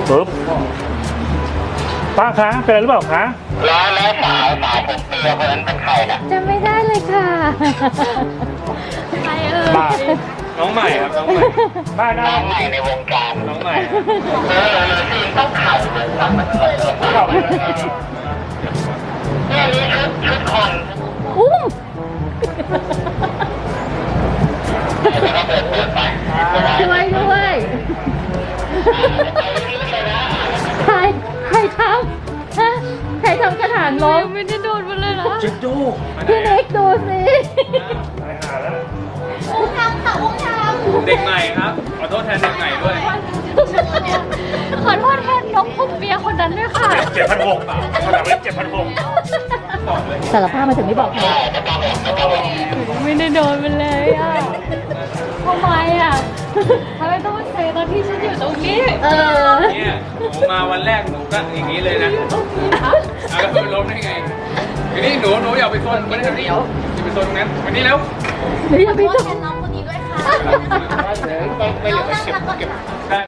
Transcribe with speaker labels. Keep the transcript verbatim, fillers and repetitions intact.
Speaker 1: ปึ๊บป้าคะเป็นอะไรหรือเปล่าคะ
Speaker 2: แล้วแล้วสาวสาวผมเปียคนนั้นเป็นใครนะ
Speaker 3: จำไม่ได้เลยค่ะใครเอ่ย
Speaker 1: บ้าน้องใหม่ครับน้องใหม่บ้าน้
Speaker 2: น้องใหม่ในวงการ
Speaker 1: น้องใหม่
Speaker 2: เออซีนต้องเข่าเลยทำมันเลย
Speaker 1: เข้าไปเลย
Speaker 2: เนี่ยนี่ชุดชุดคน
Speaker 3: อุ้ม
Speaker 2: แล้วก็เปิดเปิดไป
Speaker 3: ช่วยด้วยใครใครทำฮะใครทำกระถางล้มไม่ได้โดนมันเลยนะ
Speaker 1: จิ๊ดจู
Speaker 3: พี่นิกดูสิ
Speaker 1: ตายหาแล้ว
Speaker 3: อุ้มทำค่ะอุ้มทำ
Speaker 1: เด็กใหม่ครับขอโทษแทนเด็กใหม่ด้วย
Speaker 3: ขอโทษแทนน้องผมเบียคนนั้นด้วยค่ะ
Speaker 1: เจ็ดพันหกเขาถามว่าเจ็ดพันหก
Speaker 3: สารภาพมาถึงไม่บอกใครไม่ได้โดนมันเลยอ่ะทำไมอ่ะทำไมต้องมาเซตอนที่ฉันอยู่ตรงนี้เออ
Speaker 1: เนี่ยหนูมาวันแรกหนูก็อย่างนี้เลยนะแล้วก็ล้มได้ไงทีนี้หนูหนูอย่าไปโซนมันจะเดียวอย่าไปโซนตรงนั้นวันนี้แล้ว
Speaker 3: หรืออย่าไป
Speaker 4: ขอโท
Speaker 3: โด
Speaker 4: ษแท
Speaker 3: น
Speaker 4: นน้องคนนี้ด้วยค่ะ
Speaker 1: ไม่เหลือเก็บเก็บ